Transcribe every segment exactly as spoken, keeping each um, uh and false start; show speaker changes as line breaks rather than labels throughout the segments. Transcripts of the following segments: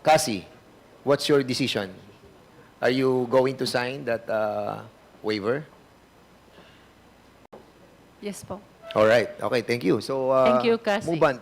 Cassie, what's your decision? Are you going to sign that uh, waiver?
Yes po.
All right. Okay, thank you. So, uh,
Thank you, Cassie.
Mubant.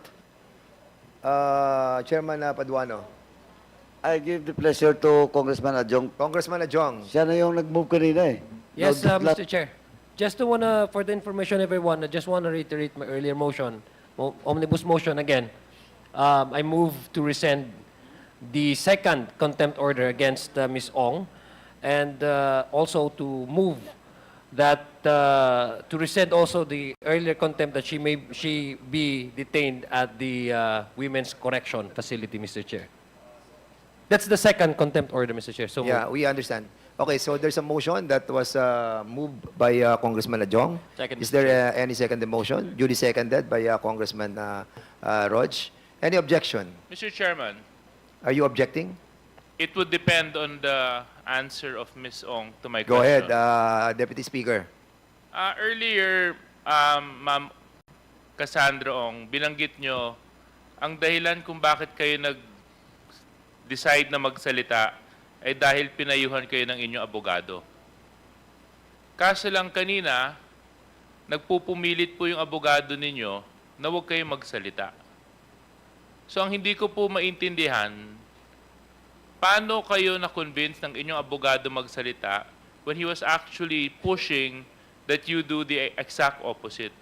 Uh, Chairman uh, Paduano.
I give the pleasure to Congressman Adjong.
Congressman Ajong.
Siya na yung nag-move kanina eh.
Yes,
No,
uh,
la-
Mister Chair. Just to wanna, for the information of everyone, I just want to reiterate my earlier motion, mo- omnibus motion again. Um, I move to rescind the second contempt order against uh, Miz Ong, and uh, also to move that uh, to rescind also the earlier contempt that she may she be detained at the uh, Women's Correction Facility, Mister Chair. That's the second contempt order, Mister Chair. So
Yeah, we understand. Okay, so there's a motion that was uh, moved by uh, Congressman Ajong.
Second,
Is
Mister
there uh, any second motion? Duly seconded by uh, Congressman uh, uh, Rog. Any objection?
Mister Chairman,
Are you objecting?
it would depend on the answer of Miz Ong to my
Go
question.
ahead, uh, Deputy Speaker.
Uh, earlier, um, Ma'am Cassandra Ong, binanggit nyo ang dahilan kung bakit kayo nag-decide na magsalita ay dahil pinayuhan kayo ng inyong abogado. Kaso lang kanina, nagpupumilit po yung abogado ninyo na huwag kayong magsalita. So ang hindi ko po maintindihan, paano kayo na-convince ng inyong abogado magsalita when he was actually pushing that you do the exact opposite?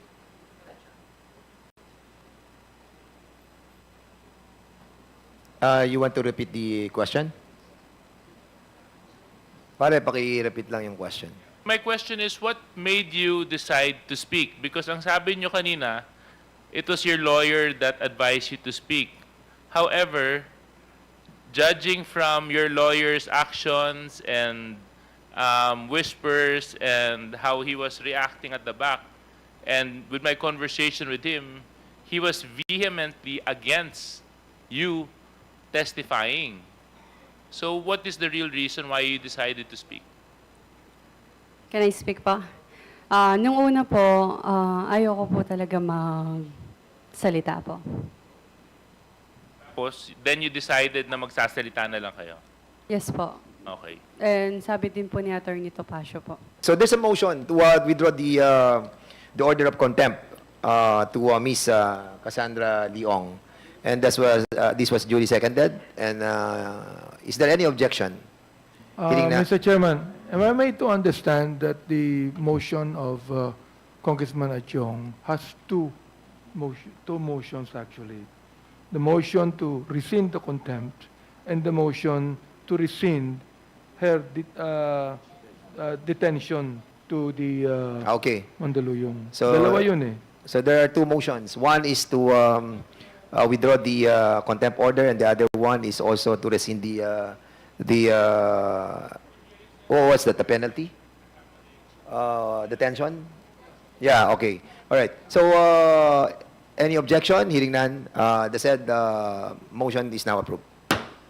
Uh, you want to repeat the question? Pare, paki-repeat lang yung question.
My question is, what made you decide to speak? Because ang sabi nyo kanina, it was your lawyer that advised you to speak. However, judging from your lawyer's actions and um, whispers and how he was reacting at the back, and with my conversation with him, he was vehemently against you testifying. So what is the real reason why you decided to speak?
Can I speak pa? Ah, nung una po, ah, ayoko po talaga magsalita po.
Tapos, then you decided na magsasalita na lang kayo.
Yes po.
Okay.
And sabi din po ni Attorney Topacio po.
So there's a motion to uh, withdraw the uh, the order of contempt uh, to uh, Miss Uh, Cassandra Leong, and this was uh, this was duly seconded. And uh, is there any objection?
Uh,
Hearing na-
Mister Chairman, am I made to understand that the motion of uh, Congressman Achong has two, motion, two motions actually? The motion to rescind the contempt and the motion to rescind her det- uh, uh, detention to the uh,
Okay.
Mandaluyong.
So-
Dalawa yun eh.
So there are two motions. One is to um, uh, withdraw the uh, contempt order, and the other one is also to rescind the uh, the uh, oh, what's that? The penalty? Uh, detention? Yeah. Okay. All right. So uh, any objection? Hearing none. Uh, the said uh, motion is now approved.